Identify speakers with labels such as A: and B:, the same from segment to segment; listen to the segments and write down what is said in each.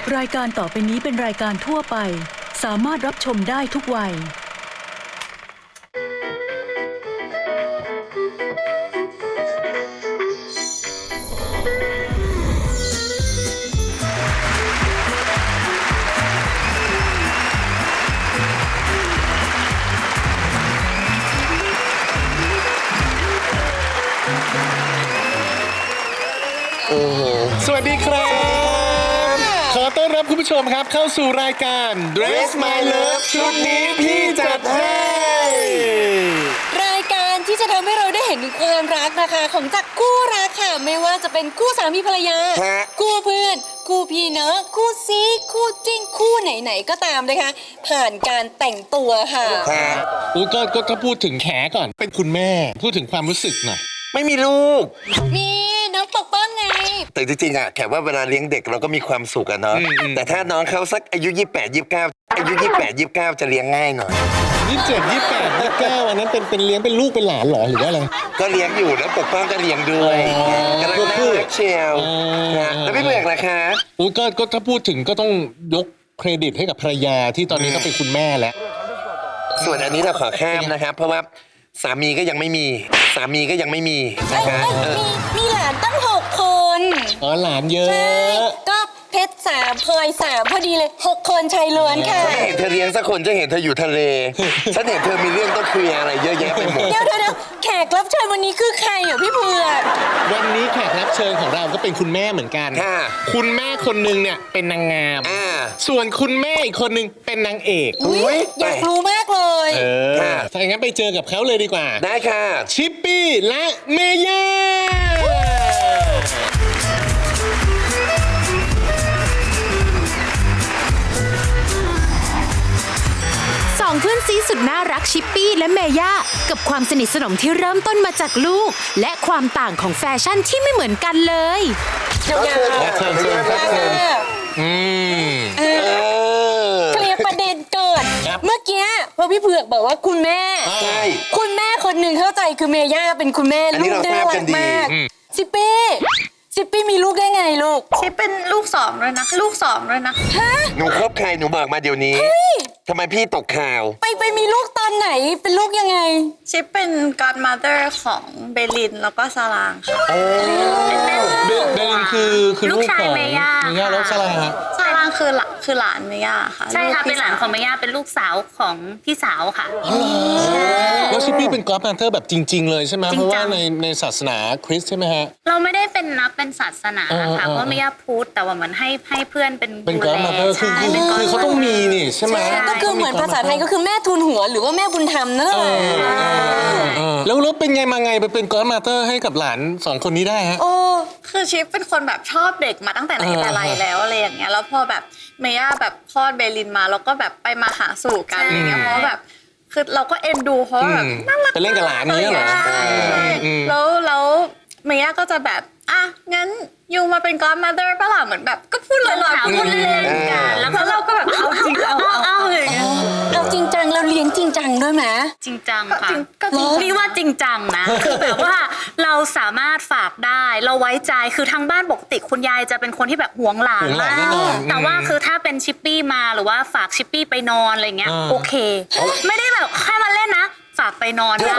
A: รายการต่อไปนี้เป็นรายการทั่วไปสามารถรับชมได้ทุกวัย
B: สวัสดีครับขอต้อนรับคุณผู้ชมครับเข้าสู่รายการ Dress My Love ชุดนี้พี่จัดให้
C: รายการที่จะทำให้เราได้เห็นถึงความรักนะคะของจากคู่รักค่ะไม่ว่าจะเป็นคู่สามีภรรยาคู่เพื่อนคู่พี่น้องคู่ซีคู่จิ้นคู่ไหนๆก็ตามนะคะผ่านการแต่งตัวค่ะ
B: ก็ถ้าพูดถึงแขก่อนเป็นคุณแม่พูดถึงความรู้สึกหน่อย
D: ไม่มีลูก
C: มีน้องปกป้องไง
D: แต่จริงๆแขกว่าเวลาเลี้ยงเด็กเราก็มีความสุขอะเนาะแต่ถ้าน้องเขาสักอายุ28 29อายุ28 29จะเลี้ยงง่ายหน่อย
B: 27 28 29อันนั้นเป็นเลี้ยงเป็นลูกเป็นหลานหรอหรือว่าอะไร
D: ก็เลี้ยงอยู่แล้วปกป้องก็เลี้ยงด้วยกำลังน่ารักเชียวแล้วพี่เบือกนะคะ
B: ก็ถ้าพูดถึงก็ต้องยกเครดิตให้กับภรรยาที่ตอนนี้ก็เป็นคุณแม่แล้ว
D: ส่วนอันนี้เราขอข้ามนะครับเพราะว่าสามีก็ยังไม่มีนะคะ
C: มีหลานตั้ง6 คน
B: หลานเยอะ
C: ก็เพชร3พลอย3พอดีเลย6 คนชายล้วนค่ะ
D: ฉันเห็นเธอเลี้ยงสักคนจะเห็นเธออยู่ทะเลฉันเห็นเธอมีเรื่องต้องคุยอะไรเยอะแยะไปหมด
C: เดี๋ยวแขกรับเชิญวันนี้คือใครอ่ะพี่เผือก
B: วันนี้แขกรับเชิญของเราก็เป็นคุณแม่เหมือนกันคุณแม่คนนึงเนี่ยเป็นนางงามส่วนคุณแม่อีกคนนึงเป็นนางเอก
C: อยากรู้มากเลย
B: ถ้าอย่างนั้นไปเจอกับเขาเลยดีกว่า
D: ได้ค่ะ
B: ชิปปี้และเมย่า
E: สองเพื่อนซีสุดน่ารักชิปปี้และเมย่ากับความสนิทสนมที่เริ่มต้นมาจากลูกและความต่างของแฟชั่นที่ไม่เหมือนกันเลย
C: เชิญเคลียร์ประเด็นเกิดเมื่อกี้พอพี่เผือกบอกว่าคุณแม่คนหนึ่งเข้าใจคือเมย่าเป็นคุณแม่ลูกน่ารักมากชิปปี้มีลูกได้ไงลูก
F: ชิปเป็นลูก2ด้วยนะ
C: ฮะ
D: หนูคบใครหนูบอกมาเดี๋ยวนี้ทำไมพี่ตกข่าว
C: ไปมีลูกตอนไหนเป็นลูกยังไง
F: ชิปเป็น godmother ของเบลินแล้วก็ซาลางค่ะ
B: เบลินคือลูกของเมย่าแล้วซาลาง
F: คือหลานเมย่าค่ะ
G: ใช่ค่ะเป็นหลานของเมย่าเป็นลูกสาวของพี่สาวค่ะ
B: แล้วชิปปี้เป็นกอล์ฟแพนเทอร์แบบจริงๆเลยใช่ไหมเพราะว่าในศาสนาคริสต์ใช่ไหมฮะ
G: เราไม่ได้เป็นนับเป็นศาสนาค่ะเพราะเมย่าพุทธแต่ว่าเหมือนให้เพื่อนเป็น
B: กอล์ฟแพนเทอร์คือเขาต้องมีนี่ใช่ไหม
C: ก็คือเหมือนภาษาไทยก็คือแม่ทุนหัวหรือว่าแม่บุญธรรมนั่นแหละ
B: แล้วเป็นไงมาไงไปเป็นกอล์ฟแพนเทอร์ให้กับหลาน2 คนนี้ได้ฮะ
F: คือชิปเป็นคนแบบชอบเด็กมาตั้งแต่ไหนแต่ไรแล้วอะไรอย่างเงี้ยแล้วพอแบบเมย่าแบบคลอดเบลินมาเราก็แบบไปมาหาสู่กันอะไรเงี้ยเพราะแบบคือเราก็เอ็นดูเพราะแบบน่ารัก
B: ไปเล่นกับหลานนี้เหรอ
F: แล้วเมย่าก็จะแบบงั้นยูมาเป็น godmother ป่ะล่ะเหมือนแบบก็พูดลอยๆพูดเล่นๆกันแล้วเราก็แบบเอาจริงเอาเลย
C: เราจริงจังเราเลี้ยงจริงจังด้วยไหม
G: จริงจังค่ะนี่ว่าจริงจังนะคือแบบว่าเราสามารถฝากได้เราไว้ใจคือทางบ้านปกติคุณยายจะเป็นคนที่แบบหวงหลานมากแต่ว่าคือถ้าเป็นชิปปี้มาหรือว่าฝากชิปปี้ไปนอนอะไรเงี้ยโอเคไม่ได้แบบแค่มาเล่นนะฝากไปนอนได้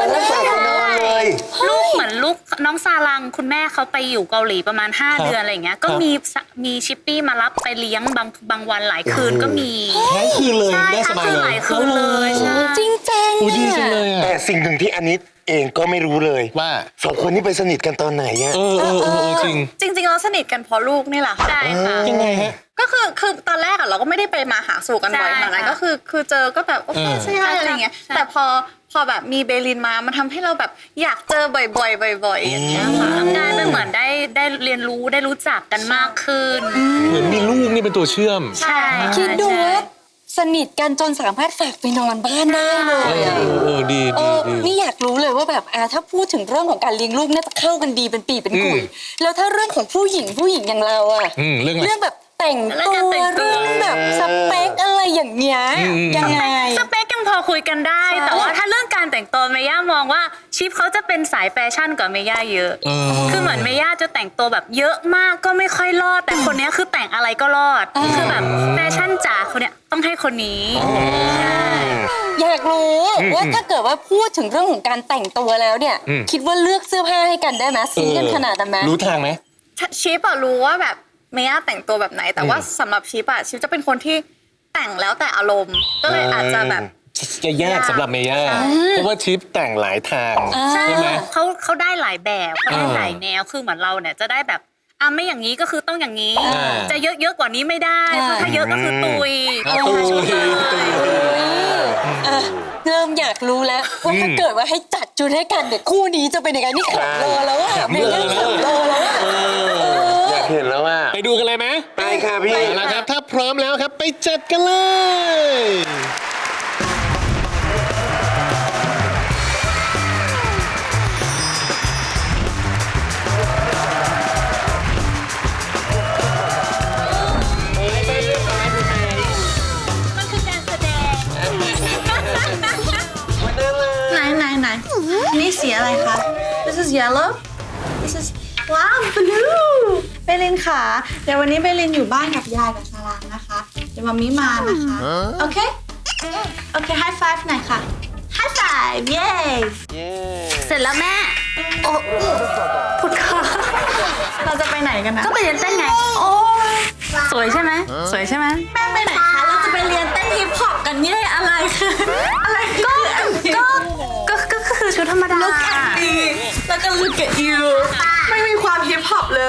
G: ลูกเหมือนลูกน้องซาลังคุณแม่เขาไปอยู่เกาหลีประมาณ5 เดือนอะไรอย่างเงี้ยก็มีชิปปี้มารับไปเลี้ยงบางวันหลายคืนก็มี
B: หลายคืนเลยได้สบายเลย
G: หลายคืนเลยใช่
C: จริงจัง
B: ดีจังเลย
D: แต่สิ่งหนึ่งที่อันนี้เองก็ไม่รู้เลย
B: ว่า
D: 2 คนนี้ไปสนิทกันตอนไหนอะ
B: จริ
F: งเราสนิทกันเพราะลูกนี่แหละค่ะ
G: ใช่ค่ะ
B: ยังไงฮะ
F: ก็คือตอนแรกเราก็ไม่ได้ไปมาหาสู่กันบ่อยขนาดนั้นก็คือเจอก็แบบโอเคใช่อะไรเงี้ยแต่พอแบบมีเบลินมามันทำให้เราแบบอยากเจอบ่อยๆอย่างเงี้ยค่ะ
G: กลายเป็นเหมือนได้เรียนรู้ได้รู้จักกันมากขึ้น
B: เหมือนมีลูกนี่เป็นตัวเชื่อม
G: ใช่
C: คิดดูว่าสนิทกันจนสามารถฝากไปนอนบ้านได้เลย
B: ดี
C: นี่อยากรู้เลยว่าแบบถ้าพูดถึงเรื่องของการเลี้ยงลูกน่าจะเข้ากันดีเป็นปีเป็นกุยแล้วถ้าเรื่องของผู้หญิงอย่างเรา
B: เรื่อง
C: แบบแต่งตัวเรื่องแบบสเปคอะไรอย่างเงี้ยยังไง
G: สเปคยังพอคุยกันได้ แต่ว่าถ้าเรื่องการแต่งตัวเมย่ามองว่าชิปเขาจะเป็นสายแฟชั่นกว่าเมย่าเยอะคือเหมือนเมย่าจะแต่งตัวแบบเยอะมากก็ไม่ค่อยรอดแต่คนนี้คือแต่งอะไรก็รอดคือแบบแฟชั่นจ๋าคนเนี้ยต้องให้คนนี้ใช่
C: อยากรู้ว่าถ้าเกิดว่าพูดถึงเรื่องของการแต่งตัวแล้วเนี่ย คิดว่าเลือกเสื้อผ้าให้กันได้ไหมซีกันขนาดนั้นไหม
B: รู้ทางไหม
F: ชิปอะรู้ว่าแบบเมย่าแต่งตัวแบบไหน แต่ว่าสำหรับชิปอะชิปจะเป็นคนที่แต่งแล้วแต่อารมณ์ ก็เลยอาจจะแบบ
B: จะยากสำหรับเมย่าเพราะว่าชิปแต่งหลายทาง
G: ใช่
B: ใช่ไหม
G: เขาได้หลายแบบเขาได้หลายแนวคือเหมือนเราเนี่ยจะได้แบบไม่อย่างนี้ก็คือต้องอย่างนี้ จะเยอะกว่านี้ไม่ได้เพราะถ้าเยอะก็คือตุย
B: ตุย
C: เริ่มอยากรู้แล้วว่าถ้าเกิดว่าให้จัดชุดให้กันเนี่ยคู่นี้จะเป็นยังไงนี่ขับรอแล้วอะเมย่าขับรอแล้วอะ
D: อยากเห็นแล้วว่า
B: ไปดูกันเลยไหม
D: ไปค่ะพี่
B: เอาละครับถ้าพร้อมแล้วครับไปจัดกันเลย
G: มันคือการแสดง
F: ไหนนี่สีอะไรคะ This is yellow This is wow blue เบลินค่ะเดี๋ยววันนี้เบลินอยู่บ้านกับยายกับซาร่านะคะ เดี๋ยวมามิมานะคะ โอเค โอเค high five หน่อยค่ะ high five เย้
G: เสร็จแล้วแม่โอ้พุดค่ะ
F: เราจะไปไหนกันนะ
G: ก็ไปเรียนเต้นไง
F: โอ้ย
G: สวยใช่ไหมสวยใช่ไหม
F: แม่ไปไหนคะ เราจะไปเรียนเต้นฮิปฮอปกันเย่อะไรคืออะไร
G: ก็คือชุดธรรมดา
F: Look at me แล้วก็ look at you ไม่มีความฮิปฮอปเลย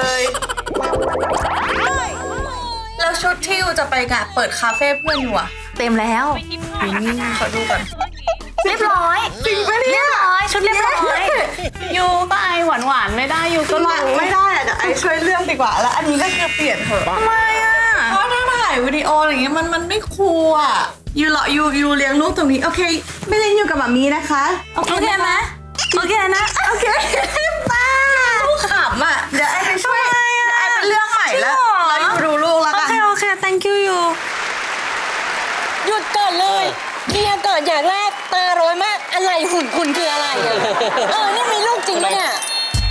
F: แล้วชุดที่อยู่จะไปงานเปิดคาเฟ่เพื่อนอยู่อะ
G: เต็มแล้ว
F: ขอดูก่อน
G: เรียบร้อยจริงปะเนี่ยเรียบร้อยชุดเรียบร้อย
F: ยูก็ไอหวานๆไม่ได้ยูก็ไม่ได้อะเดี๋ยวไอช่วยเลือกดีกว่า แล้วอันนี้ก็คือเปลี่ยนเถอะทำไมอะเพราะถ้าถ่ายวิดีโออะไรอย่างเงี้ยมันไม่คูลอะยูเลี้ยงลูกตรงนี้โอเคไม่เล่นอยู่กับหมามีนะคะโอเคไหมโอเคนะโอเคป้าลูกขำอะเดี๋ยวไอไปช่วยเดี๋ยวไอไปเลือกใหม่แล้วยูดูลูกแล้วกันโอเค thank you ยู
C: หยุดก่อนเลยเคลียร์ก่อนอย่างแรกตาร้อยมากอะไรหุ่นคุณคืออะไรอะนี่มีลูกจริงปะเนี่ย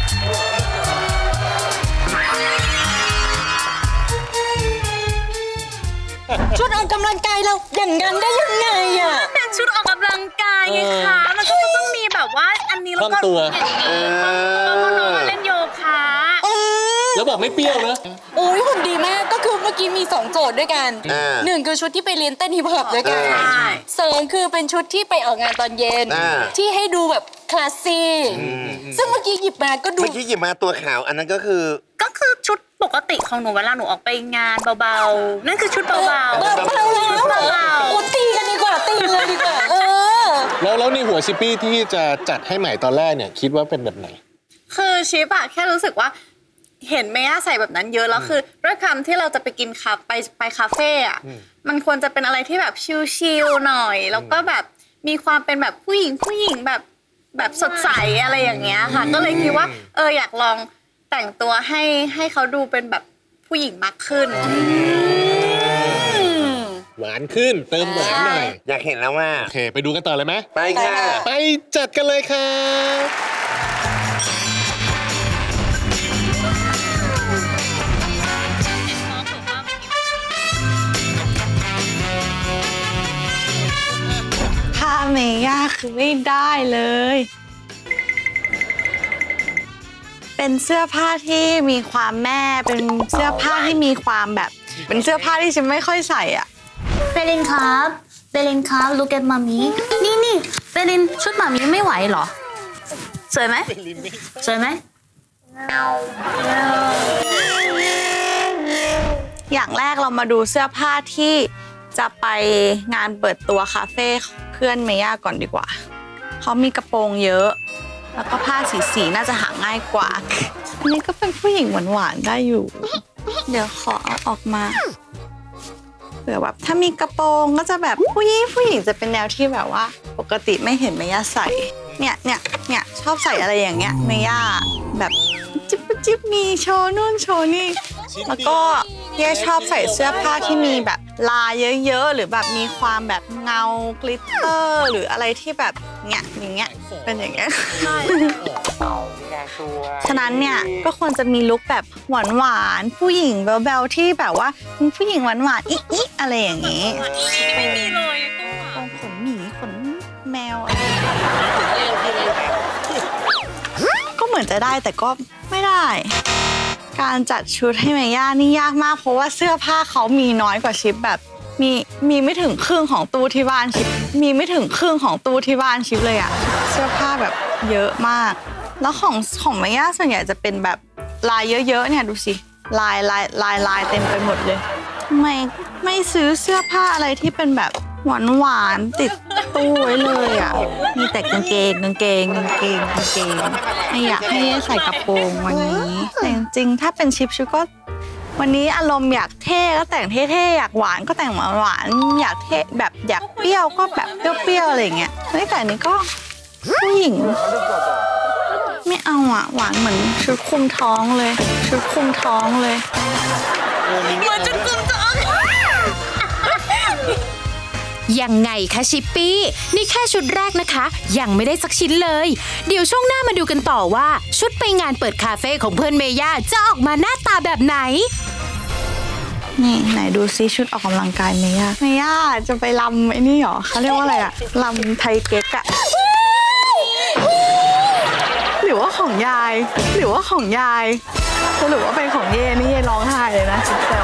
C: ชุดออกกำลังกายเราอย่างนั้นได้ยังไงอะ
G: เป็นชุดออกกำลังกายไงคะมันก็ต้องมีแบบว่าอันนี้แล้วก็อย่างนี้คล่องตัวเพราะน้องเล่นโยคะ
B: แล้วบอกไม่เปรี้ยวนะ
C: โอ้ยหุ่นดีมากก็คือเมื่อกี้มี2โจทย์ด้วยกันหนึ่งคือชุดที่ไปเรียนเต้นฮิปฮอปด้วยกันสองคือเป็นชุดที่ไปออกงานตอนเย็นที่ให้ดูแบบคลาสซี่ซึ่งเมื่อกี้หยิบมาก็ดู
D: เมื่อกี้หยิบมาตัวขาวอันนั้นก็คือ
G: ชุดปกติของหนูเวลาหนูออกไปงานเบาๆนั่นคือชุดเบาๆ
C: เบาแล้วโอ้ตีกันดีกว่าตีเลยดีกว่า
B: แล้วในหัวชิปปี้ที่จะจัดให้ใหม่ตอนแรกเนี่ยคิดว่าเป็นแบบไหน
F: คือชิปอะแค่รู้สึกว่าเห็นเมย่าใส่แบบนั้นเยอะแล้วคือด้วยคำที่เราจะไปกินไปคาเฟ่อะมันควรจะเป็นอะไรที่แบบชิลๆหน่อย แล้วก็แบบมีความเป็นแบบผู้หญิงแบบสดใสอะไรอย่างเงี้ยค่ะ ก็เลยคิดว่าอยากลองแต่งตัวให้เขาดูเป็นแบบผู้หญิงมากขึ้น
B: หวานขึ้นเติมหวานหน่อย
D: อยากเห็นแล้วว่า
B: โอเคไปดูกันต่อเลยไหม
D: ไปค่ะ
B: ไปจัดกันเลยครับ
F: ถ้าเมย่าคือไม่ได้เลย เป็นเสื้อผ้าที่มีความแม่ เป็นเสื้อผ้าที่มีความแบบ เป็นเสื้อผ้าที่ฉันไม่ค่อยใส่อ่ะ
G: เบลินครับเบลินครับ look at มามีนี่เบลินชุดมามีไม่ไหวเหรอสวยไหมสวยไหม
F: อย่างแรกเรามาดูเสื้อผ้าที่จะไปงานเปิดตัวคาเฟ่เพื่อนเมย่าก่อนดีกว่า เขามีกระโปรงเยอะ แล้วก็ผ้าสีน่าจะหาง่ายกว่า อันนี้ก็เป็นผู้หญิงหวานๆได้อยู่ เดี๋ยวขอเอาออกมาเผื่อแบบถ้ามีกระโปรงก็จะแบบผู้หญิงจะเป็นแนวที่แบบว่า ปกติไม่เห็นเมย่าใส่ เนี่ยชอบใส่อะไรอย่างเงี้ยเมย่าแบบจิ๊บมีโชว์นู่นโชว์นี่แล้วก็เย่ชอบใส่เสื้อผ้าที่มีแบบลายเยอะๆหรือแบบมีความแบบเงากลิตเตอร์หรืออะไรที่แบบเนี่ยอย่างเงี้ยเป็นอย่างเงี้ย ฉะนั้นเนี่ยก็ควรจะมีลุคแบบหวานๆผู้หญิงแบลๆที่แบบว่าผู้หญิงหวานๆอิอะไรอย่างงี้
G: ไม่มีเลยตู้
F: ขนหมีขนแมวอะไรก็เหมือนจะได้แต่ก็ไม่ได้ การจัดชุดให้เมย่านี่ยากมากเพราะว่าเสื้อผ้าเขามีน้อยกว่าชิปแบบมีไม่ถึงครึ่งของตู้ที่บ้านชิปมีไม่ถึงครึ่งของตู้ที่บ้านชิปเลยอะเสื้อผ้าแบบเยอะมากแล้วของเมย่าส่วนใหญ่จะเป็นแบบลายเยอะๆเนี่ยดูสิลายเต็มไปหมดเลยทำไมไม่ซื้อเสื้อผ้าอะไรที่เป็นแบบหวานติดตู้ไว้เลยอ่ะมีแต่กางเกงไม่อยากให้ใส่กระโปรงวันนี้แต่จริงๆถ้าเป็นชิปก็วันนี้อารมณ์อยากเท่ก็แต่งเท่ๆอยากหวานก็แต่งหวานอยากเท่แบบอยากเปรี้ยวก็แบบเปรี้ยวๆอะไรอย่างเงี้ยแต่อันนี้ก็ผู้หญิงไม่เอาอ่ะหวานเหมือนชุดคลุมท้องเลย
G: มันจะกึ่งจะ
E: ยังไงคะชิปปี้นี่แค่ชุดแรกนะคะยังไม่ได้สักชิ้นเลยเดี๋ยวช่วงหน้ามาดูกันต่อว่าชุดไปงานเปิดคาเฟ่ของเพื่อนเมย่าจะออกมาหน้าตาแบบไหน
F: นี่ไหนดูซิชุดออกกำลังกายเมย่าจะไปรำไอ้นี่หรอเขาเรียกว่าอะไรอะรำไทยเก๊กอะหรือว่าของยายสรุปว่าเป็นของเย่นี่เย่ร้องไห้เลยนะชุดแต่